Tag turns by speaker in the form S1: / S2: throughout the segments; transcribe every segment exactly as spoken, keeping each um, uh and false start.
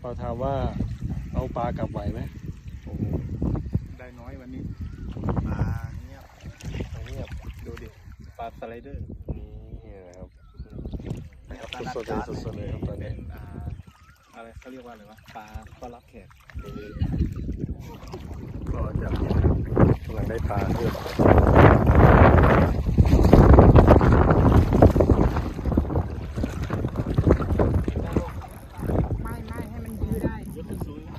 S1: เราถามว่าเอาปลากลับไหวไหมโอ้โห
S2: ได้น้อยวันนี้
S1: ปลาเงียบเงียบดูดิปลาสไลเดอร์นี่นะครับสดๆเลยสดๆเลยครับตอน
S2: เป็
S1: นี้
S2: นอ่าอะไรเขาเรียกว่าอะไรวะปลาต้อนรับแขก
S1: ก็จะกำลังได้ปลาเพิ่ม
S3: ไม่ไม่ให้มันยืดได้ยกขึ้นสูง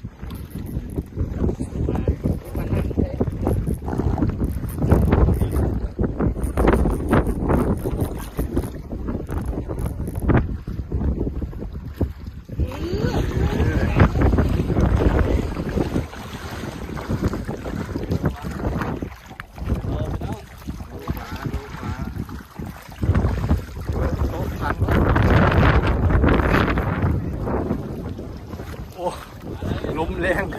S1: ลมแรง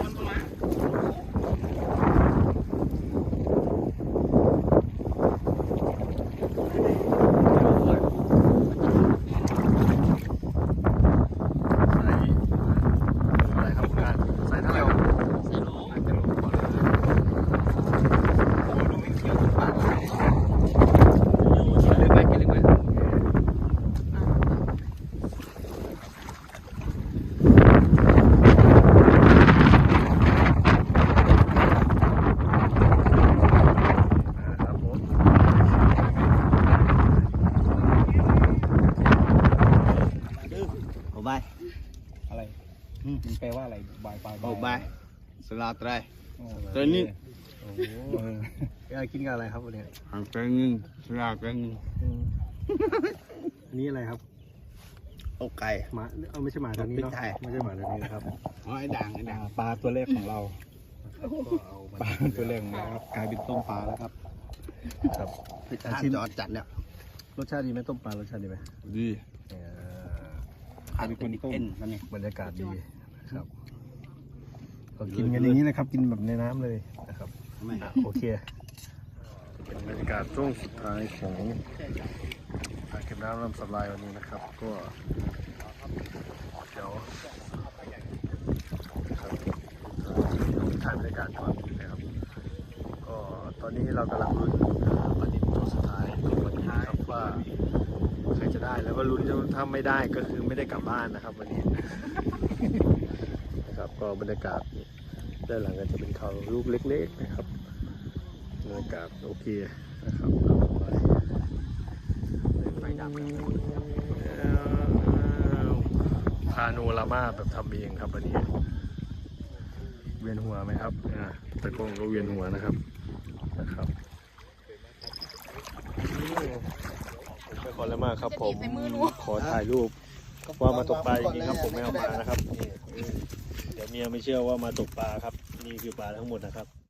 S1: อะไรครับคุณการใส่เท่าไหร่ใส่โหลอาจจะโหลก่อนเลยโอ้ดูไม่เขียวปากเลยลึกไหมกินลึกไหม
S4: บาย
S2: อะไรมันแปลว่าอะไรบายบาย
S4: โอ้บายสลาไตร
S1: ตัวนี้โอ้โหอยากกินกับอะไรครับวันนี้
S4: หางเกงสลาเกง
S1: อันนี้อะไรครับ
S4: โอ้ไก่
S1: หมาเอาไม่ใช่หมาตัวนี้เนาะไม่ใช่หมาตัวนี้นะครับ
S4: อ๋อไอ้ด่างไอ้ด่าง
S2: ปลาตัวแรกของเรา
S1: ก็เอามา
S2: ปลาตัวแรกของเราครับกลายเป็นต้มปลาแล้วครับ
S1: ครับ
S4: อาชีพจอดจัดเนี่ย
S1: รสชาติดีไหมต้มปลารสชาติดีไหม
S4: ดี
S1: เอ่อ
S4: อันนี้คนเอ็นนั่นนี่
S1: บรรยากาศดีนะครับก็กินกันอย่างนี้นะครับกินแบบในน้ำเลยนะครับ
S4: ไม่
S1: อ่ะโอเคเป็นบรรยากาศช่วงสุดท้ายของอ่างเก็บน้ำลำสำรายวันนี้นะครับ ก็เดี๋ยวครับถ่ายบรรยากาศก่อนนะครับก็ตอนนี้เรากำลังลุ้นปฏิทินตัวสุดท้ายของวันนี้ครับว่าใครจะได้แล้วก็ลุ้นถ้าไม่ได้ก็คือไม่ได้กลับบ้านนะครับวันนี้ นะครับก็บรรยากาศด้านหลังก็จะเป็นเขาลูกเล็กๆนะครับบรรยากาศโอเคนะครับไฟดับพาโนรามาแบบทำเองครับวันนี้เวียนหัวไหมครับอ่าตะโกงก็เวียนหัวนะครับนะครับไม่ขอแล้วมากครับผมขอถ่ายรูปว่ามาตกปลาจริงๆครับผมไม่เอามานะครับนี่เดี๋ยวเมียไม่เชื่อว่ามาตกปลาครับนี่คือปลาทั้งหมดนะครับ